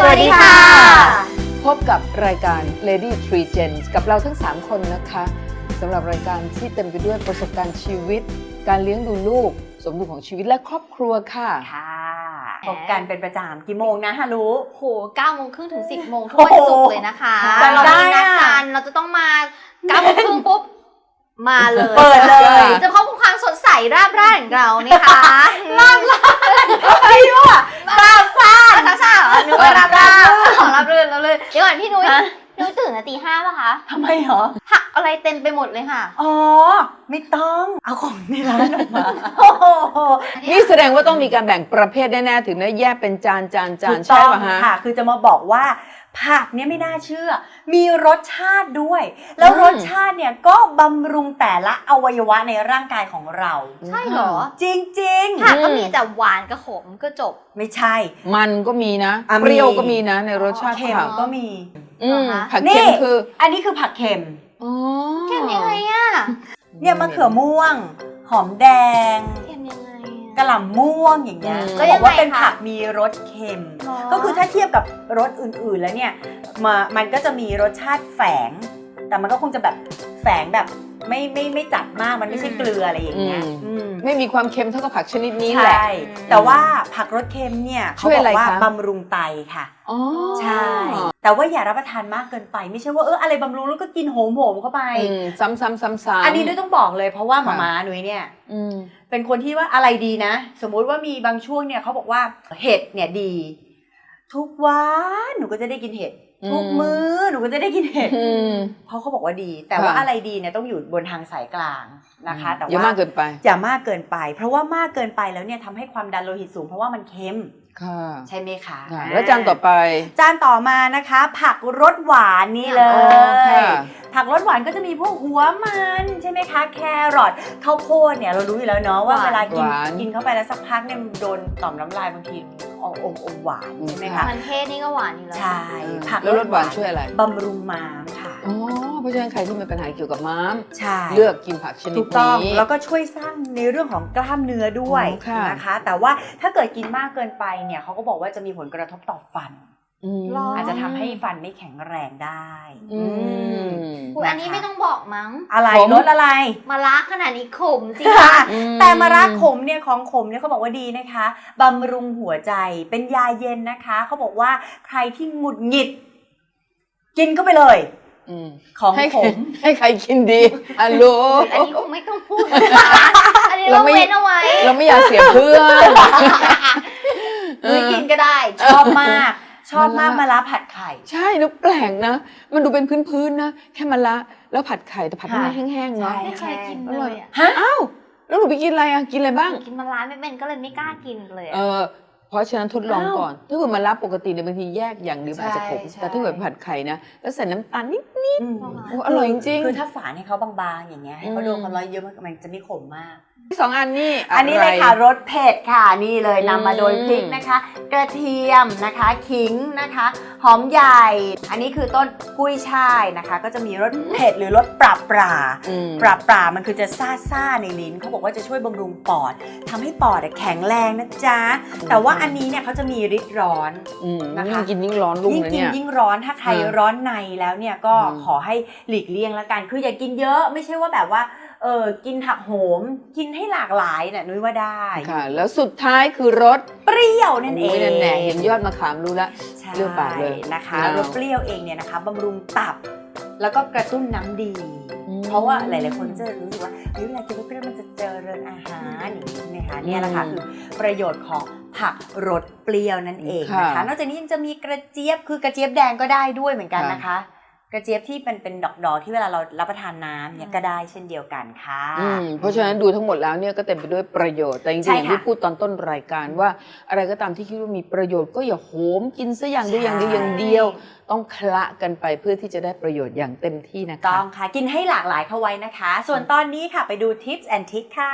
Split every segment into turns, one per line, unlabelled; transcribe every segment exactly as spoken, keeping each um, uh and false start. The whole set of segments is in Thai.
วัสดีค่ะ
พบกับรายการ Lady Tree Gens กับเราทั้งสามคนนะคะสำหรับรายการที่เต็มไปด้วยประสบการณ์ชีวิตการเลี้ยงดูลูกสมดุลของชีวิตและครอบครัวค่ะ
ค่ะพบกันเป็นประจำกี่โมงนะฮารุ
โหเก้าโมงครึ่งถึงสิบโมงทุกวันศุกร์เลยนะคะเรามีนัดกันเราจะต้องมาเก้าโมงครึ่งปุ๊บมาเลย
เปิดเลย
จะพบกับความสดใสราบรื่นของเรานี่ค่ะราบรื่น
อะไรวะราบซ่า
ราบซ่าเหรอนึกว่าราบรื่นของราบรื่นราบรื่นเดี๋ยวก่อนพี่นุ้ยพี่นุ้ยตื่นตีห้าป่ะคะ
ทำไมเหรอ
ผักอะไรเต็มไปหมดเลยค่ะ
อ๋อไม่ต้องเอาของในร้านออกมา
นี่แสดงว่าต้องมีการแบ่งประเภทแน่ๆถึงได้แยกเป็นจานจานจานใช่ป่ะฮะ
ค่ะคือจะมาบอกว่าผักเนี่ยไม่น่าเชื่อมีรสชาติด้วยแล้วรสชาติเนี่ยก็บำรุงแต่ละอวัยวะในร่างกายของเรา
ใช่เหรอ
จริงๆ
ผักก็มีแต่หวานกับขมก็จบ
ไม่ใช่
มันก็มีนะเปรี้ยวก็มีนะในรสชาติ
เค็มก็มี
ผักเค็มคือ
อันนี้คือผักเค็ม
เค็มยังไงอ่ะ
เนี่ยมะเขือม่วงหอมแดง
เค็มยังไง
กระหล่ำม่วงอย่างเงี้ยก็บอกว่าเป็นผักมีรสเค็มก็คือถ้าเทียบกับรสอื่นๆแล้วเนี่ยมันก็จะมีรสชาติแฝงแต่มันก็คงจะแบบแฝงแบบไม่ไม่ไม่จัดมากมันไม่ใช่เกลืออะไรอย่างเงี้ย
ไม่มีความเค็มเท่ากับผักชนิดนี้แหละ
ใช่แต่ว่าผักรสเค็มเนี่ยเขาบอกว่าบำรุงไตค่ะ
อ๋อ
ใช่แต่ว่าอย่ารับประทานมากเกินไปไม่ใช่ว่าเอออะไรบำรุงแล้วก็กินโหมโหมเข้าไป
ซ้ำซ้ำซ้ำซ้ำ
อันนี้ด้วยต้องบอกเลยเพราะว่าหม่าม้าหนุ่ยเนี่ยเป็นคนที่ว่าอะไรดีนะสมมุติว่ามีบางช่วงเนี่ยเขาบอกว่าเห็ดเนี่ยดีทุกวันหนูก็จะได้กินเห็ดทุกมื้อหนูก็จะได้กินเห็ดเพราะเขาบอกว่าดีแต่ว่าอะไรดีเนี่ยต้องอยู่บนทางสายกลางนะคะแต่ว่า
อย่ามากเกินไป
อย่ามากเกินไปเพราะว่ามากเกินไปแล้วเนี่ยทำให้ความดันโลหิตสูงเพราะว่ามันเค็มใช่ไหมคะ
แล้วจานต่อไป
จานต่อมานะคะผักรสหวานนี่เลยผักรสหวานก็จะมีพวกหัวมันใช่ไหมคะแครอทข้าวโพดเนี่ยเรารู้อยู่แล้วเนาะว่าเวลากินกินเข้าไปแล้วสักพักเนี่ยโดนต่อมน้ำลายบางทีอมอมหวานใช่ไหมคะ
มันเทศนี่ก็หวานอยู่แล้ว
ใช่ผัก
รสหวานช่วยอะไร
บำรุงม้ามค่ะ
อ๋อเพราะฉะนั้นใครที่มีปัญหาเกี่ยวกับม้าม
ใช่
เลือกกินผักชนิดนี้ถูกต้อง
แล้วก็ช่วยสร้างในเรื่องของกล้ามเนื้อด้วยนะคะแต่ว่าถ้าเกิดกินมากเกินไปเนี่ยเขาก็บอกว่าจะมีผลกระทบต่อฟันอาจจะทำให้ฟันไม่แข็งแรงได้
อันนี้ไม่ต้องบอกมั้ง
อะไรรสอะไร
มะระขนาดนี้ขมสิ
คะแต่มะระขมเนี่ยของขมเนี่ยเขาบอกว่าดีนะคะบำรุงหัวใจเป็นยาเย็นนะคะเขาบอกว่าใครที่หงุดหงิดกินเข้าไปเลยของขม
ให้ใครกินดีฮัลโหล
อันนี้คงไม่ต้องพูดอันนี้เราเว้นเอาไว้
เราไม่อยากเสียเพื่อน
มือกินก็ได้ชอบมากชอบมากมะระผัดไข่
ใช่แล้วแปลกนะมันดูเป็นพื้นๆนะแค่มะระแล้วผัดไข่แต่ผัดให้แห้งๆเนาะ
ไม่เคยกินเลย
ฮะ
อ้าวแล้วหนูไปกินอะไรอ่ะกินอะไรบ้าง
กินมะระไม่เป็นก็เลยไม่กล้ากินเลย
เออเพราะฉะนั้นทดลองก่อนถ้าเกิดมะระปกติเนี่ยบางทีแยกอย่างนึงอาจจะขมแต่ถ้าเกิดผัดไข่นะแล้วใส่น้ำตาลนิดๆอร่อยจริง
ๆคือถ้าฝานให้เขาบางๆอย่างเงี้ยให้เขาโดนความร้อนเยอะมันจะไม่ขมมาก
สองอันนี้
อันนี้เลยค่ะรสเผ็ดค่ะนี่เลยนำมาโดยพริกนะคะกระเทียมนะคะขิงนะคะหอมใหญ่อันนี้คือต้นกุ้ยช่ายนะคะก็จะมีรสเผ็ดหรือรสปราบปราปราบปรามันคือจะซ่าซ่าในลิ้นเขาบอกว่าจะช่วยบำรุงปอดทำให้ปอดแข็งแรงนะจ๊ะแต่ว่าอันนี้เนี่ยเขาจะมีฤทธิ์ร้อน
นะคะกินยิ่งร้อนลุงนะเนี่ย
ยิ่งกินยิ่งร้อนถ้าใครร้อนในแล้วเนี่ยก็ขอให้หลีกเลี่ยงละกันคืออย่ากินเยอะไม่ใช่ว่าแบบว่าเออกินผักโหมกินให้หลากหลายน่ะนุ้ยว่าได้
ค่ะแล้วสุดท้ายคือรส
เปรี้ยวนั่นเอง
นั่นแหละเห็นยอดมะขามรู้ละเปรี้ยวปากเลย
นะคะรสเปรี้ยวเองเนี่ยนะคะบำรุงตับแล้วก็กระตุ้นน้ำดีเพราะว่าหลายๆคนจะรู้สึกว่าเฮ้ยเวลากินรสเปรี้ยวมันจะเจริญอาหารอย่างนี้ใช่ไหมคะเนี่ยแหละค่ะคือประโยชน์ของผักรสเปรี้ยวนั่นเองนะคะนอกจากนี้ยังจะมีกระเจี๊ยบคือกระเจี๊ยบแดงก็ได้ด้วยเหมือนกันนะคะกระเจี๊ยบที่เป็นเป็นดอกๆที่เวลาเรารับประทานน้ำเนี่ยก็ได้เช่นเดียวกันค่ะ
เพราะฉะนั้นดูทั้งหมดแล้วเนี่ยก็เต็มไปด้วยประโยชน์แต่จริงๆอย่างที่พูดตอนต้นรายการว่าอะไรก็ตามที่คิดว่ามีประโยชน์ก็อย่าโหมกินซะอย่างเดียวอย่างเดียวอย่างเดียวต้องคละกันไปเพื่อที่จะได้ประโยชน์อย่างเต็มที่นะคะ
ต้องค่ะกินให้หลากหลายเข้าไว้นะคะส่วนตอนนี้ค่ะไปดู Tips and Tricks ค่ะ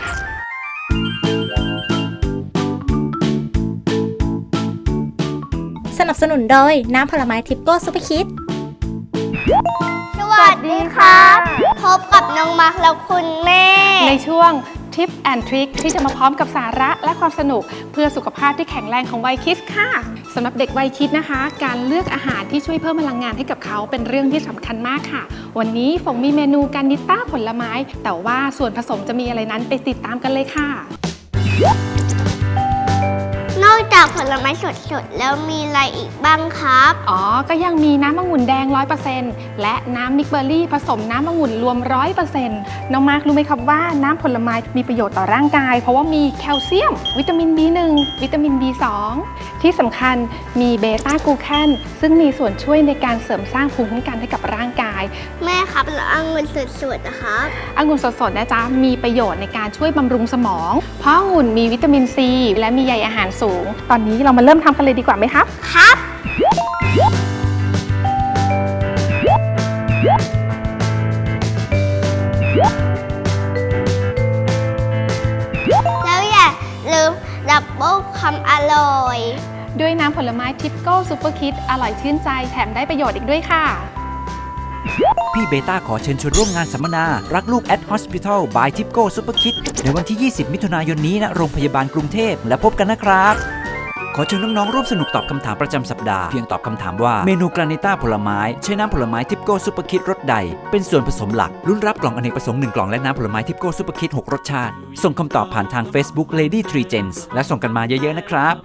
สนับสนุนโดยน้ำผลไม้ทิปโก้ซุปเปอร์คิด
สวัสดีครับพบกับน้องมาร์คและคุณแม่
ในช่วง
ทิปแอนทริคที่จะมาพร้อมกับสาระและความสนุกเพื่อสุขภาพที่แข็งแรงของวัยคิดค่ะสำหรับเด็กวัยคิดนะคะการเลือกอาหารที่ช่วยเพิ่มพลังงานให้กับเขาเป็นเรื่องที่สำคัญมากค่ะวันนี้ฝงมีเมนูการนิต้าผลไม้แต่ว่าส่วนผสมจะมีอะไรนั้นไปติดตามกันเลยค่ะ
นอกจากผลไม้สดๆแล้วมีอะไรอีกบ้างครับ
อ๋อก็ยังมีน้ำองุ่นแดง ร้อยเปอร์เซ็นต์ และน้ำมิกเบอร์รี่ผสมน้ำองุ่นรวม ร้อยเปอร์เซ็นต์ น้องมาร์ครู้ไหมครับว่าน้ำผลไม้มีประโยชน์ต่อร่างกายเพราะว่ามีแคลเซียมวิตามิน บี หนึ่ง วิตามิน บี สอง ที่สำคัญมีเบต้ากลูแคนซึ่งมีส่วนช่วยในการเสริมสร้างภูมิคุ้มกันให้กับร่างกาย
แม่ครับแล้วองุ่นสดๆนะครับ
องุ่นสดๆนะจ๊ะมีประโยชน์ในการช่วยบำรุงสมองเพราะองุ่นมีวิตามินซีและมีใยอาหารสูงตอนนี้เรามาเริ่มทำกันเลยดีกว่าไหมครับ
ครับแล้วอย่าลืมดับเบิลความอร่อย
ด้วยน้ำผลไม้ทิปโก้ซูเปอร์คิดอร่อยชื่นใจแถมได้ประโยชน์อีกด้วยค่ะ
พี่เบต้าขอเชิญชวนร่วมงานสัมมนารักลูก at Hospital by Tipco Super Kid ในวันที่ ยี่สิบ มิถุนายนนี้ณโรงพยาบาลกรุงเทพและพบกันนะครับขอเชิญน้องๆร่วมสนุกตอบคำถามประจำสัปดาห์เพียงตอบคำถามว่าเมนูกรานิต้าผลไม้ใช้น้ำผลไม้ทิปโก้ซูเปอร์คิดรสใดเป็นส่วนผสมหลักลุ้นรับกล่องอเนกประสงค์หนึ่งกล่องและน้ำผลไม้ทิปโก้ซูเปอร์คิดหกรสชาติส่งคำตอบผ่านทาง Facebook Lady Three Gens และส่งกันมาเยอะๆนะครับ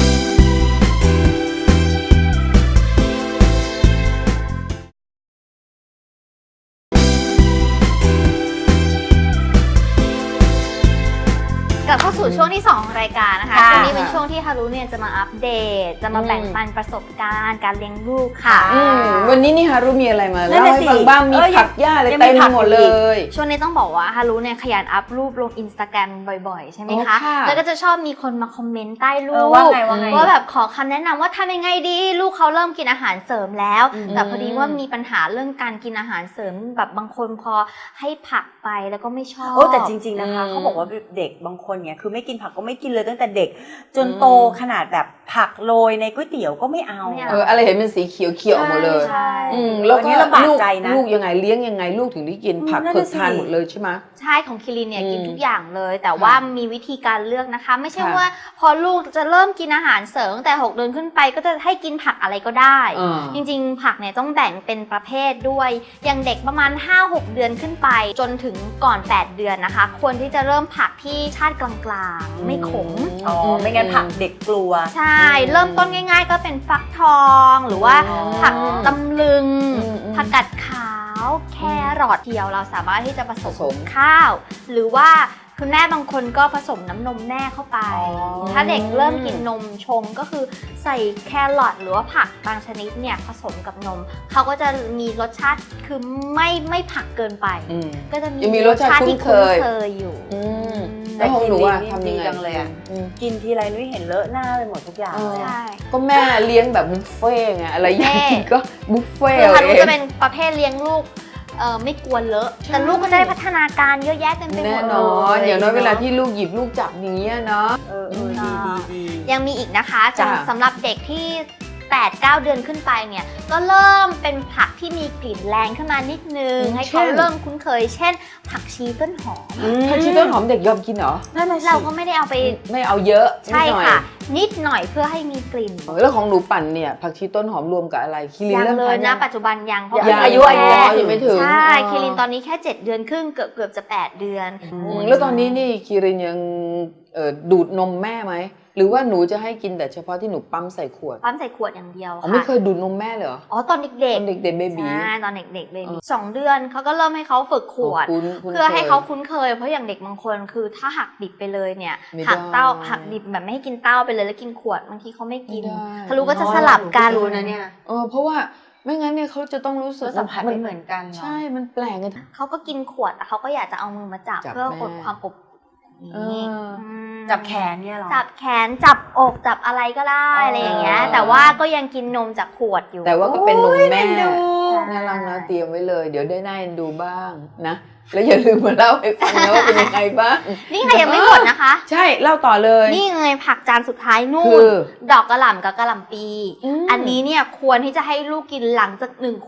กลับเข้าสู่ช่วงที่สองของรายการนะคะช่วงนี้เป็นช่วงที่ฮารุเนี่ยจะมาอัปเดตจะมาแบ่งปันประสบการณ์การเลี้ยงลูกค่ะ
วันนี้นี่ฮารุมีอะไรมาเล่าให้ฟังบ้างมีผักหญ้าอะไรเต็มหมดเลย
ช่วงนี้ต้องบอกว่าฮารุเนี่ยขยันอัพรูปลงอินสตาแกรมบ่อยๆใช่ไหมคะแล้วก็จะชอบมีคนมาคอมเมนต์ใต้รูปว่าแบบขอคำแนะนำว่าทำยังไงดีลูกเขาเริ่มกินอาหารเสริมแล้วแต่พอดีว่ามีปัญหาเรื่องการกินอาหารเสริมแบบบางคนพอให้ผักไปแล้วก็ไม่ชอบ
โอ้แต่จริงๆนะคะเขาบอกว่าเด็กบางคนเนี่ยคือไม่กินผักก็ไม่กินเลยตั้งแต่เด็กจนโตขนาดแบบผักโรยในก๋วยเตี๋ยวก็ไม่เอา
เอออะไรเห็นเป็นสีเขียวเขียวหมดเลยแล้วก็ลูกลูกยังไงเลี้ยงยังไงลูกถึงได้กินผักเผือกทานหมดเลยใช่ไหม
ใช่ของคิรินเนี่ยกินทุกอย่างเลยแต่ว่ามีวิธีการเลือกนะคะไม่ใช่ว่าพอลูกจะเริ่มกินอาหารเสริมตั้งแต่หกเดือนขึ้นไปก็จะให้กินผักอะไรก็ได้จริงๆผักเนี่ยต้องแบ่งเป็นประเภทด้วยอย่างเด็กประมาณ ห้าหก เดือนขึ้นไปจนถึงก่อนแปดเดือนนะคะควรที่จะเริ่มผักที่ชาติกลางๆไม่ขม
อ๋อไม่งั้นผักเด็กกลัว
ใช่เริ่มต้นง่ายๆก็เป็นฟักทองหรือว่าผักตำลึงผักกัดขาวแครอทเดียวเราสามารถที่จะผสมข้าวหรือว่าคุณแม่บางคนก็ผสมน้ำนมแม่เข้าไปถ้าเด็กเริ่มกินนมชงก็คือใส่แครอทหรือว่าผักบางชนิดเนี่ยผสมกับนมเขาก็จะมีรสชาติคือไม่ไม่ผักเกินไปก็จะมีรสชาติที่คุ้นเคยอยู่
แต่กินดีนี่ดีจังเลยอ่ะกินทีไรนุ้ยเห็นเลอะหน้าไปหมดทุกอย่าง
ใช่
ก็แม่เลี้ยงแบบบุฟเฟ่ไงอะไรอยากกินก็บุฟเฟ่
คือฮารุจะเป็นประเภทเลี้ยงลูกเออไม่กลัวเลอะแต่ลูกก็จะได้พัฒนาการเยอะแยะเต็มไปหมด
แน่นอนอย่างน้อยเวลาที่ลูกหยิบลูกจับอย่างเงี้ยเนาะ
เออดีดี
ยังมีอีกนะคะสำหรับเด็กที่แปด เก้า เดือนขึ้นไปเนี่ยก็เริ่มเป็นผักที่มีกลิ่นแรงขึ้นมานิดนึงให้เขาเริ่มคุ้นเคยเช่นผักชีต้นหอม
ผักชีต้นหอมเด็กยอมกินเหรอ
เราก็ไม่ได้เอาไป
ไม่เอาเยอะ
ใช่ค่ะนิดหน่อยเพื่อให้มีกลิ่น
แล้วของหนูปั่นเนี่ยผักชีต้นหอมรวมกับอะไรคิริน
เริ่มเลยนะปัจจุบันยังเพราะ
อายุอายุยังไม่ถึง
ใช่คิรินตอนนี้แค่เจ็ดเดือนครึ่งเกือบเกือบจะแปดเดือน
แล้วตอนนี้นี่คิรินยังดูดนมแม่ไหมหรือว่าหนูจะให้กินแต่เฉพาะที่หนูปั๊มใส่ขวด
ปั๊มใส่ขวดอย่างเดียวค่ะ
ไม่เคยดูดนมแม่เลยเหรอ
อ๋อตอนเด็กๆ
ตอนเด็กๆเบบี
ใช่ตอนเด็กๆเบบีสองเดือนเขาก็เริ่มให้เขาฝึกขวดเพื่อให้เขาคุ้นเคยเพราะอย่างเด็กบางคนคือถ้าหักดิบไปเลยเนี่ยหักเต้าหักดิบแบบไม่ให้กินเต้าไปเลยแล้วกินขวดบางทีเขาไม่กินทะลุก็จะสลับกัน
รู้นะเนี่ย
เออเพราะว่าไม่งั้นเนี่ยเขาจะต้องรู้สึก
สัมผัสไม่เหมือนกัน
ใช่มันแปลกไง
เขาก็กินขวดแต่เขาก็อยากจะเอามือมาจับเพื่ออดความอบ
จับแขนเนี่ยหรอ
จับแขนจับอกจับอะไรก็ได้อะไรอย่างเงี้ยแต่ว่าก็ยังกินนมจากขวดอยู่
แต่ว่าก็เป็นนมแม่น่ารักนะเตรียมไว้เลยเดี๋ยวได้น่าเอ็นดูบ้างนะแล้วอย่าลืมมาเล่าให้ฟังนะว่าเป็นยังไงบ้าง
นี่ค่ะยังไม่หมดนะคะ
ใช่เล่าต่อเลย
นี่ไงผักจานสุดท้ายนู่นดอกกระหล่ำกับกระหล่ำปีอันนี้เนี่ยควรที่จะให้ลูกกินหลังจากหนึ่งขวบ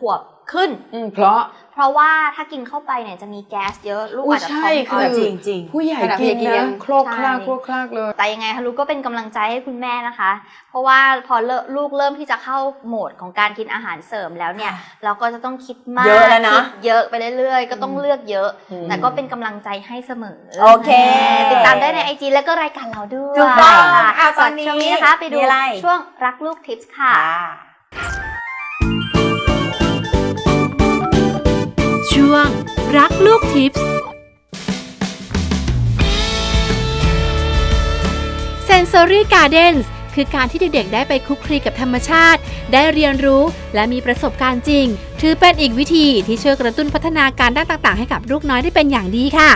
ขึ้น
อืมเพราะ
เพราะว่าถ้ากินเข้าไปเนี่ยจะมีแก๊สเยอะลูก
อุ๊ย
อาจจะ
ใช่
ท้อง
คื
อื
อ
ด
จริงจริง
ผู้ใหญ่
ขนาด
กิน
ผู้ใหญ่กินยั
นะ
ง
โครกคลาก
ใช่
โครกคลากเลย
แต่ยังไงคะลูกก็เป็นกำลังใจให้คุณแม่นะคะ เพราะว่าพอลูกเริ่มที่จะเข้าโหมดของการกินอาหารเสริมแล้วเนี่ย เราก็จะต้องคิดมาก
เยอะแล้วนะ
คิดเยอะไปเรื่อยๆ ก็ต้องเลือกเยอะ
อืม
แต่ก็เป็นกำลังใจให้เสมอ
โอเค
ติดตามได้ในไอจีแล้วก็รายการเราด้วย
ถูกต้อง
ค่ะ
อ่ะตอน
ส่วน
นี้
ช่วงนี้นะคะไปดู
มีอะไร
ช่วงรักลูกทิปส์ค่ะ
ช่วงรักลูกทิปส์ Sensory Gardens คือการที่เด็กๆได้ไปคลุกคลีกับธรรมชาติ ได้เรียนรู้และมีประสบการณ์จริง ถือเป็นอีกวิธีที่ช่วยกระตุ้นพัฒนาการด้านต่างๆให้กับลูกน้อยได้เป็นอย่างดีค่ะ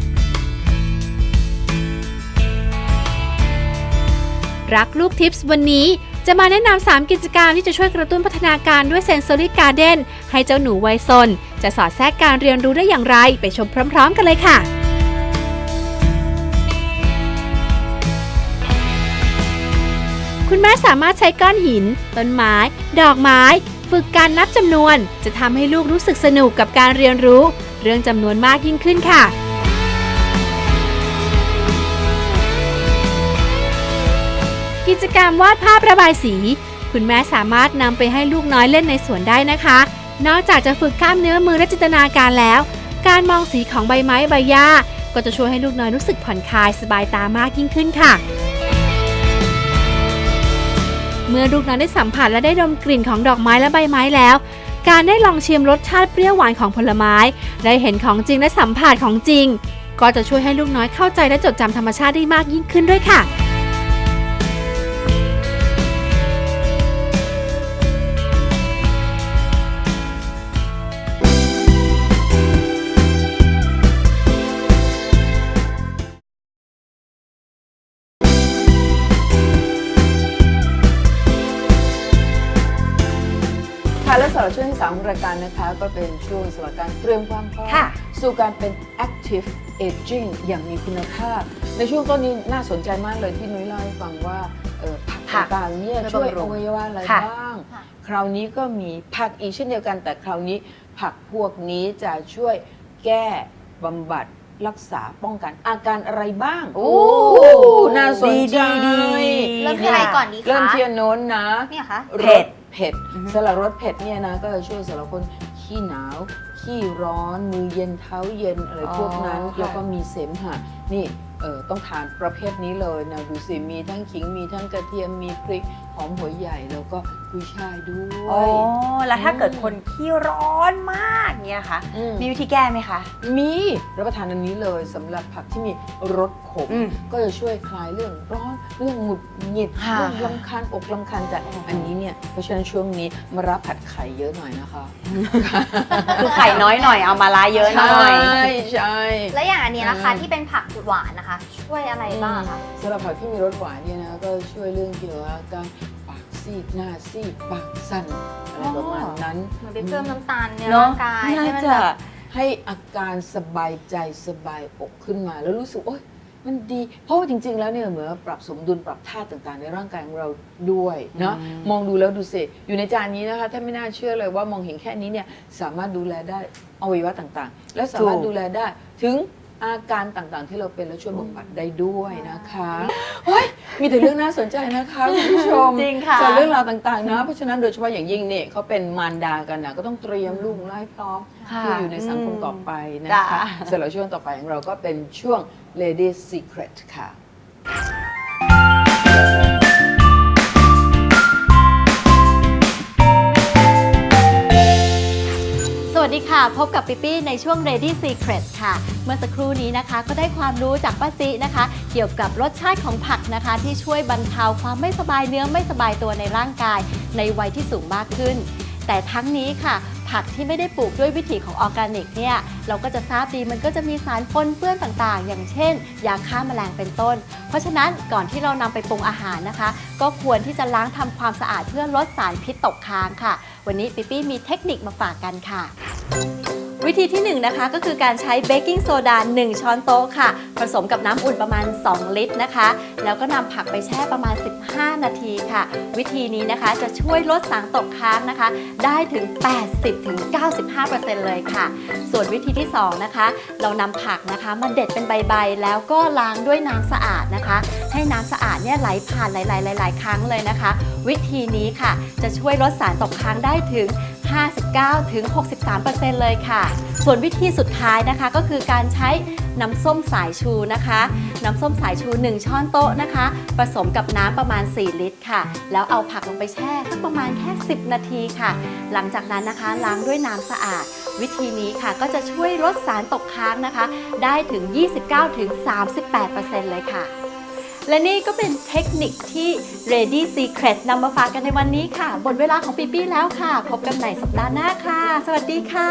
รักลูกทิปส์วันนี้จะมาแนะนำสามกิจกรรมที่จะช่วยกระตุ้นพัฒนาการด้วย Sensory Garden ให้เจ้าหนูวัยซนจะสอดแทรกการเรียนรู้ได้อย่างไรไปชมพร้อมๆกันเลยค่ะ คุณแม่สามารถใช้ก้อนหิน ต้นไม้ ดอกไม้ ฝึกการนับจำนวน จะทำให้ลูกรู้สึกสนุกกับการเรียนรู้ เรื่องจำนวนมากยิ่งขึ้นค่ะ กิจกรรมวาดภาพระบายสี คุณแม่สามารถนำไปให้ลูกน้อยเล่นในสวนได้นะคะ นอกจากจะฝึกกล้ามเนื้อมือและจินตนาการแล้ว การมองสีของใบไม้ใบหญ้าก็จะช่วยให้ลูกน้อยรู้สึกผ่อนคลายสบายตามากยิ่งขึ้นค่ะ เมื่อลูกน้อยได้สัมผัสและได้ดมกลิ่นของดอกไม้และใบไม้แล้ว การได้ลองชิมรสชาติเปรี้ยวหวานของผลไม้ ได้เห็นของจริงและสัมผัสของจริง ก็จะช่วยให้ลูกน้อยเข้าใจและจดจำธรรมชาติได้มากยิ่งขึ้นด้วยค่ะ
ค่ะและสำหรับช่วงที่สามของรายการนะคะก็เป็นช่วงสำหรับการเตรียมความพร้อม
ค่ะ
สู่การเป็น active aging อย่างมีคุณภาพ ในช่วงต้นนี้น่าสนใจมากเลยที่นุ้ยเล่าให้ฟังว่าเอ่อผัก
ผัก
ต่างๆเนี่ย
ช่
ช่
ว
วย ย
บำรุ
อง วัยวะอะไร
ค่ะ
บ้าง
ค่ะ
คราวนี้ก็มีผักอีกเช่นเดียวกัน แต่คราวนี้ผักพวกนี้จะช่วยแก้บำบัดรักษาป้องกันอาการอะไรบ้าง
โอ้
น่าสนใจ
ดีดีดี
เริ่มที่อะไรก่อนดีคะ
เริ่มที่อันโน้นนะ
เนี่ยคะ
เผ็ด
รสเผ็ด
อือฮึ
สำหรับรสเผ็ดเนี่ยนะก็จะช่วยสำหรับคนขี้หนาว ขี้ร้อน มือเย็นเท้าเย็นอะไรพวกนั้น
อ๋อค่ะ
แล้วก็มีเสมหะนี่เออต้องทานประเภทนี้เลยนะดูสิมีทั้งขิงมีทั้งกระเทียมมีพริกหอมหัวใหญ่แล้วก็กุยช่ายด้ว
โอ้
ย
แล้วถ้าเกิดคนขี้ร้อนมากเนี่ยค่ะ
อืม
มีวิธีแก้ไหมคะ
มีรับประทานอันนี้เลยสำหรับผักที่มีรสขม
อืม
ก็จะช่วยคลายเรื่องร้อนเรื่องหงุดหงิด
ค่ะ
เรื่องลำคาญอกลำคาญใจอันนี้เนี่ยเพราะฉะนั้นช่วงนี้มารับผัดไข่เยอะหน่อยนะคะ
คือไข่น้อยหน่อยเอามาลาเยอะหน่อย
ใช่ใช่
แล้วอย่างอันนี้นะคะ
อืม
ที่เป็นผักหวานนะคะ ช่วยอะไรบ้างคะ
สำหรับผักที่มีรสหวานเนี่ยนะก็ช่วยเรื่องเกี่ยวกับการปากซีดหน้าซีดปากสั่นอะไรประมาณนั้น
เหมือนไปเพิ่มน้ำตาลใน
เนอะ
ร่างกายให้
น่า
มัน
จะ
แบบ
ให้อาการสบายใจสบายอกขึ้นมา แล้วรู้สึกโอ๊ยมันดี เพราะว่าจริง ๆ แล้วเนี่ยเหมือนปรับสมดุลปรับธาตุต่างๆ ในร่างกายของเราด้วยเนาะ
อืม
มองดูแล้วดูสิอยู่ในจานนี้นะคะถ้าไม่น่าเชื่อเลยว่ามองเห็นแค่นี้เนี่ยสามารถดูแลได้อวัยวะต่างๆ และสามารถดูแลได้ถึงอาการต่างๆ ที่เราเป็นและช่วยบำบัดได้ด้วยนะคะเฮ้ยมีแต่เรื่องน่าสนใจนะคะคุณผู้ชม
จริงค่ะ
จากเรื่องราวต่างๆนะเพราะฉะนั้นโดยเฉพาะอย่างยิ่งเนี่ยเขาเป็นมารดากันนะก็ต้องเตรียมลูกไล่พร้อม
ค่ะ
ที่อยู่ในสังคมต่อไปนะ
จ้ะ
คะสำหรับช่วงต่อไปของเราก็เป็นช่วง Lady Secret ค่ะ
สวัสดีค่ะ พบกับปิปปี้ในช่วง Lady Secret ค่ะ เมื่อสักครู่นี้นะคะก็ได้ความรู้จากป้าจินะคะ เกี่ยวกับรสชาติของผักนะคะ ที่ช่วยบรรเทาความไม่สบายเนื้อไม่สบายตัวในร่างกายในวัยที่สูงมากขึ้น แต่ทั้งนี้ค่ะ ผักที่ไม่ได้ปลูกด้วยวิถีของออร์แกนิกเนี่ยเราก็จะทราบดีมันก็จะมีสารปนเปื้อนต่างๆ อย่างเช่น ยาฆ่าแมลงเป็นต้น เพราะฉะนั้นก่อนที่เรานำไปปรุงอาหารนะคะ ก็ควรที่จะล้างทำความสะอาดเพื่อลดสารพิษตกค้างค่ะ วันนี้ปิปปี้มีเทคนิคมาฝากกันค่ะวิธีที่หนึ่งนะคะก็คือการใช้เบกกิ้งโซดาหนึ่งช้อนโต๊ะค่ะผสมกับน้ำอุ่นประมาณสองลิตรนะคะแล้วก็นำผักไปแช่ประมาณสิบห้านาทีค่ะวิธีนี้นะคะจะช่วยลดสารตกค้างนะคะได้ถึง แปดสิบถึงเก้าสิบห้าเปอร์เซ็นต์ เลยค่ะส่วนวิธีที่สองนะคะเรานำผักนะคะมาเด็ดเป็นใบๆแล้วก็ล้างด้วยน้ำสะอาดนะคะให้น้ำสะอาดเนี่ยไหลผ่านหลายๆหลายๆครั้งเลยนะคะวิธีนี้ค่ะจะช่วยลดสารตกค้างได้ถึง ห้าสิบเก้าถึงหกสิบสามเปอร์เซ็นต์ เลยค่ะส่วนวิธีสุดท้ายนะคะก็คือการใช้น้ำส้มสายชูนะคะน้ำส้มสายชูหนึ่งช้อนโต๊ะนะคะผสมกับน้ำประมาณสี่ลิตรค่ะแล้วเอาผักลงไปแช่สักประมาณแค่สิบนาทีค่ะหลังจากนั้นนะคะล้างด้วยน้ำสะอาดวิธีนี้ค่ะก็จะช่วยลดสารตกค้างนะคะได้ถึง ยี่สิบเก้าถึงสามสิบแปดเปอร์เซ็นต์ เลยค่ะและนี่ก็เป็นเทคนิคที่ Ready Secret นำมาฝากกันในวันนี้ค่ะหมดเวลาของปีปี้แล้วค่ะพบกันใหม่สัปดาห์หน้าค่ะสวัสดีค่ะ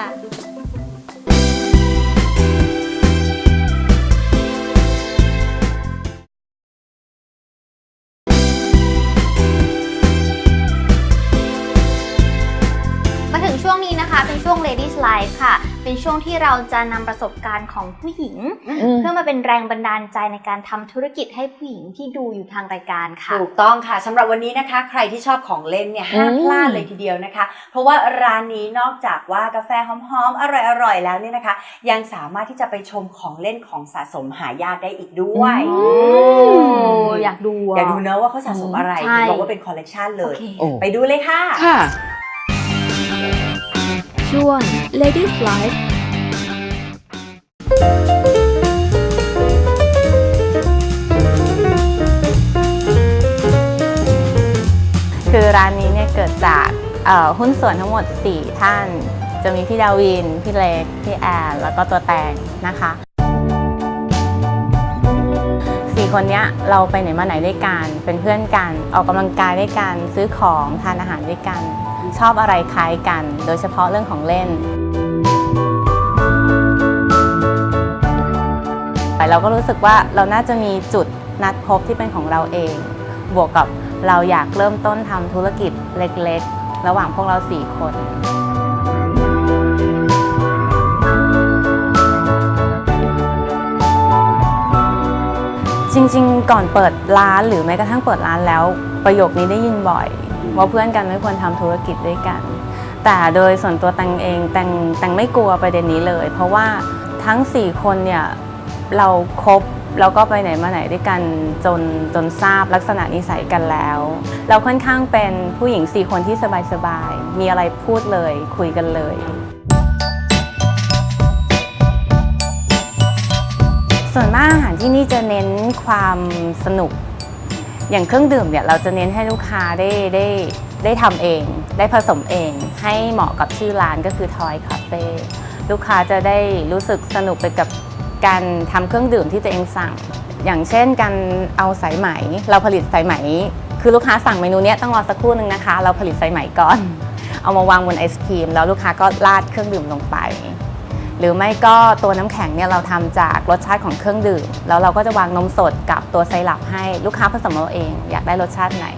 มาถึงช่วงนี้นะคะเป็นช่วง Ladies Life ค่ะเป็นช่วงที่เราจะนำประสบการณ์ของผู้หญิงเพื่อมาเป็นแรงบันดาลใจในการทำธุรกิจให้ผู้หญิงที่ดูอยู่ทางรายการค่ะ
ถูกต้องค่ะสำหรับวันนี้นะคะใครที่ชอบของเล่นเนี่ยห้ามพลาดเลยทีเดียวนะคะเพราะว่าร้านนี้นอกจากว่ากาแฟหอมๆอร่อยๆแล้วเนี่ยนะคะยังสามารถที่จะไปชมของเล่นของสะสมหายากได้อีกด้วย
อยากดู
อยากดูเนอะว่าเขาสะสมอะไรบอกว่าเป็นคอลเลกชันเลยไปดูเลยค่ะ
ค่ะ
ช่วง Ladies Life
คือร้านนี้เนี่ยเกิดจากหุ้นส่วนทั้งหมดสี่ท่านจะมีพี่ดาวินพี่เล็กพี่แอนแล้วก็ตัวแตงนะคะสี่คนนี้เราไปไหนมาไหนด้วยกันเป็นเพื่อนกันออกกำลังกายด้วยกันซื้อของทานอาหารด้วยกันชอบอะไรคล้ายกันโดยเฉพาะเรื่องของเล่นแต่เราก็รู้สึกว่าเราน่าจะมีจุดนัดพบที่เป็นของเราเองบวกกับเราอยากเริ่มต้นทำธุรกิจเล็กๆระหว่างพวกเราสี่คนจริงๆก่อนเปิดร้านหรือแม้กระทั่งเปิดร้านแล้วประโยคนี้ได้ยินบ่อยว่าเพื่อนกันไม่ควรทำธุรกิจด้วยกันแต่โดยส่วนตัวแตงเองแตงแตงไม่กลัวประเด็นนี้เลยเพราะว่าทั้งสี่คนเนี่ยเราคบแล้วก็ไปไหนมาไหนด้วยกันจนจนทราบลักษณะนิสัยกันแล้วเราค่อนข้างเป็นผู้หญิงสี่คนที่สบายๆมีอะไรพูดเลยคุยกันเลยส่วนมากอาหารที่นี่จะเน้นความสนุกอย่างเครื่องดื่มเนี่ยเราจะเน้นให้ลูกค้าได้ได้ได้ทำเองได้ผสมเองให้เหมาะกับชื่อร้านก็คือ Toy Cafe ลูกค้าจะได้รู้สึกสนุกไปกับการทำเครื่องดื่มที่ตัวเองสั่งอย่างเช่นการเอาสายไหมเราผลิตสายไหมคือลูกค้าสั่งเมนูนี้ต้องรอสักครู่หนึ่งนะคะเราผลิตสายไหมก่อนเอามาวางบนไอศครีมแล้วลูกค้าก็ราดเครื่องดื่มลงไปหรือไม่ก็ตัวน้ำแข็งเนี่ยเราทำจากรสชาติของเครื่องดื่มแล้วเราก็จะวางนมสดกับตัวไซรัปให้ลูกค้าผสมเอาเองอยากได้รสชาติไหน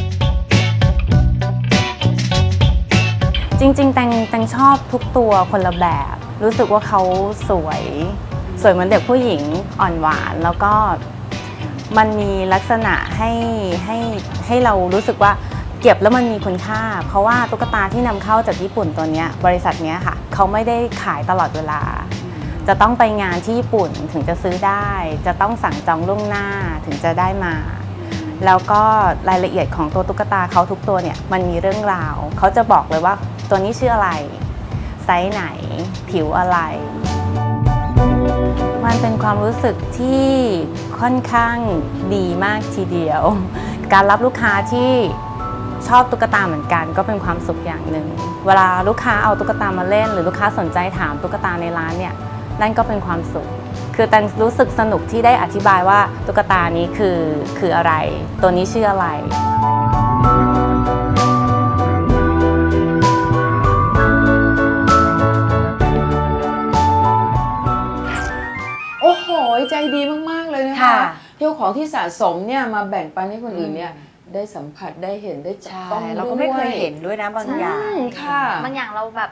จริงๆแตงแตงชอบทุกตัวคนละแบบรู้สึกว่าเขาสวยสวยเหมือนเด็กผู้หญิงอ่อนหวานแล้วก็มันมีลักษณะให้ให้ให้เรารู้สึกว่าเก็บแล้วมันมีคุณค่าเพราะว่าตุ๊กตาที่นำเข้าจากญี่ปุ่นตัวนี้บริษัทนี้ค่ะเขาไม่ได้ขายตลอดเวลาจะต้องไปงานที่ญี่ปุ่นถึงจะซื้อได้จะต้องสั่งจองล่วงหน้าถึงจะได้มาแล้วก็รายละเอียดของตัวตุ๊กตาเขาทุกตัวเนี่ยมันมีเรื่องราวเขาจะบอกเลยว่าตัวนี้ชื่ออะไรไซส์ไหนผิวอะไรมันเป็นความรู้สึกที่ค่อนข้างดีมากทีเดียวการรับลูกค้าที่ชอบตุ๊กตาเหมือนกันก็เป็นความสุขอย่างหนึ่งเวลาลูกค้าเอาตุ๊กตามาเล่นหรือลูกค้าสนใจถามตุ๊กตาในร้านเนี่ยนั่นก็เป็นความสุขคือแตงรู้สึกสนุกที่ได้อธิบายว่าตุ๊กตานี้คือคืออะไรตัวนี้ชื่ออะไร
โอ้โหใจดีมากๆเลยนะคะเที่ยวของที่สะสมเนี่ยมาแบ่งปันให้คนอื่นเนี่ยได้สัมผัสได้เห็นได้จับต้องด้วย
เราก็ไม่เคยเห็นด้วยนะบางอย่าง
ค่ะ
บางอย่างเราแบบ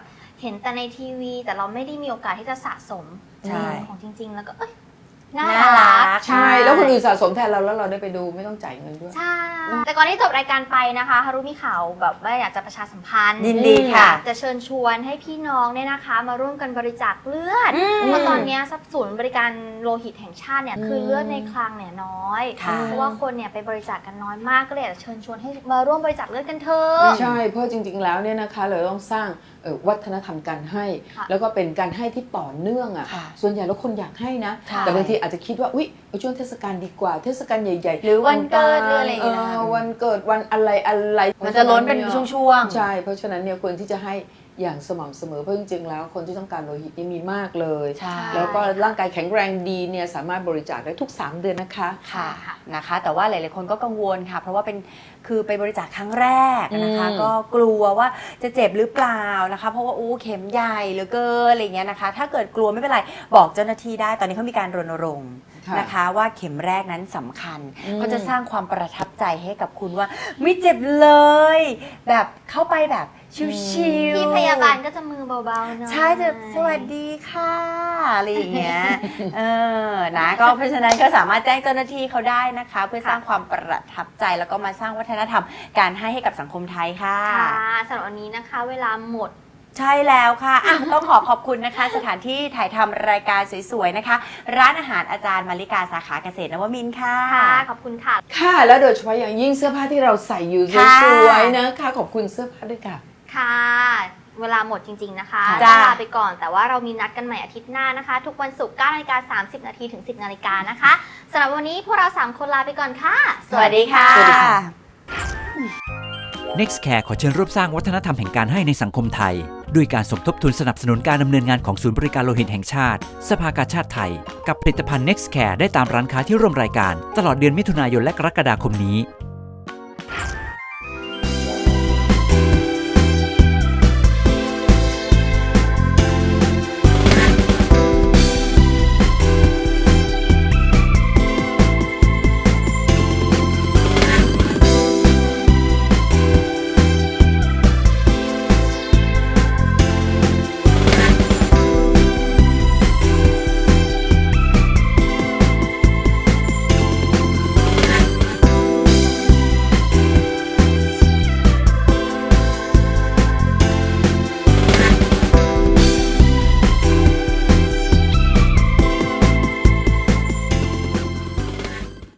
เห็นแต่ในทีวี แต่เราไม่ได้มีโอกาสที่จะสะสม
ใช่
ของจริง ๆ แล้วก็เอ้ยน่า
น่ารั
รั
ก
ก
ใช่แล้วคนอื่นสะสมแทนเราแล้วเราได้ไปดูไม่ต้องจ่ายเงินด้วย
ใช่ แต่ก่อนที่จบรายการไปนะคะฮารุมีข่าวแบบว่าอยากจะประชาสัมพันธ์
ยินดีค่ะ
อยากจะเชิญชวนให้พี่น้องเนี่ยนะคะ มาร่วมกันบริจาคเลือด
อืม
เพราะตอนเนี้ยทรัพย์ศูนย์บริการโลหิตแห่งชาติเนี่ย
อืม
คือเลือดในคลังเนี่ยน้อย
ค่ะ
เพราะว่าคนเนี่ยไปบริจาคกันน้อยมากก็เลยอยากจะเชิญชวนให้มาร่วมบริจาคเลือดกันเถอะ
ใช่เพราะจริงๆแล้วเนี่ยนะคะเราต้องสร้างเอ่อวัฒนธรรมการให้
ค่ะ
แล้วก็เป็นการให้ที่ต่อเนื่องอ่ะ
ค่ะ
ส่วนใหญ่แล้วคนอยากให้นะ
ใช่
แต่บางทีอาจจะคิดว่าอุ๊ยเอาช่วงเทศกาลดีกว่าเทศกาลใหญ่ๆ
หรือวันเกิดหรืออะไรอย่าง
เอ
เงี้ย
อวันเกิดวันอะไรอะไร
มันจะล้นเป็นช่วงๆ
ใช่เพราะฉะนั้นเนี่ยควรที่จะให้อย่างสม่ำเสมอเพราะจริงๆแล้วคนที่ต้องการโลหิตนี่มีมากเลย
ใช่
แล้วก็ร่างกายแข็งแรงดีเนี่ยสามารถบริจาคได้ทุกสามเดือนนะคะ
ค่ะนะคะ แต่ว่าหลายๆคนก็กังวลค่ะ เพราะว่าเป็นคือไปบริจาคครั้งแรกนะคะ
อืม
ก็กลัวว่าจะเจ็บหรือเปล่านะคะ เพราะว่าอู้เข็มใหญ่เหลือเกินอะไรอย่างเงี้ยนะคะ ถ้าเกิดกลัวไม่เป็นไรบอกเจ้าหน้าที่ได้ตอนนี้เขามีการรณรงค์นะคะ ว่าเข็มแรกนั้นสำคัญ ก็จะสร้างความประทับใจให้กับคุณว่าไม่เจ็บเลย แบบเข้าไปแบบชิวๆ
พี่พยาบาลก็จะมือเบาๆหน่อย
ใช่จะสวัสดีค่ะอะไรอย่างเงี้ย เออ นะก็เพราะฉะนั้นก็สามารถแจ้งเจ้าหน้าที่เขาได้นะคะ เพื่อสร้างความประทับใจแล้วก็มาสร้างวัฒนธรรมการให้ให้กับสังคมไทยค่ะ
ค่ะสำหรับวันนี้นะคะ เวลาหมด
ใช่แล้วค่ะอ่ะ ต้องขอขอบคุณนะคะ สถานที่ถ่ายทำรายการสวยๆนะคะ ร้านอาหารอาจารย์มาริกาสาขาเกษตรนวมินทร์ค่ะ
ค่ะ ขอบคุณค่ะ
ค่ะแล้วโดยเฉพาะอย่างยิ่งเสื้อผ้าที่เราใส่อยู่ส
ค่ะ
วยๆนะคะขอบคุณเสื้อผ้าด้วยค่ะ
ค่ะ เวลาหมดจริง ๆ นะคะ
จ้า
ลาไปก่อน แต่ว่าเรามีนัดกันใหม่อาทิตย์หน้านะคะ ทุกวันศุกร์เก้านาฬิกาสามสิบนาทีถึงสิบนาฬิกานะคะสำหรับวันนี้พวกเราสามคนลาไปก่อนค่ะ
สวัสดีค่ะ
สวัสดีค่ะ
Nextcare ขอเชิญร่วมสร้างวัฒนธรรมแห่งการให้ในสังคมไทย ด้วยการสมทบทุนสนับสนุนการดำเนินงานของศูนย์บริการโลหิตแห่งชาติ สภากาชาดไทย กับผลิตภัณฑ์ Nextcare ได้ตามร้านค้าที่ร่วมรายการ ตลอดเดือนมิถุนายนและกรกฎาคมนี้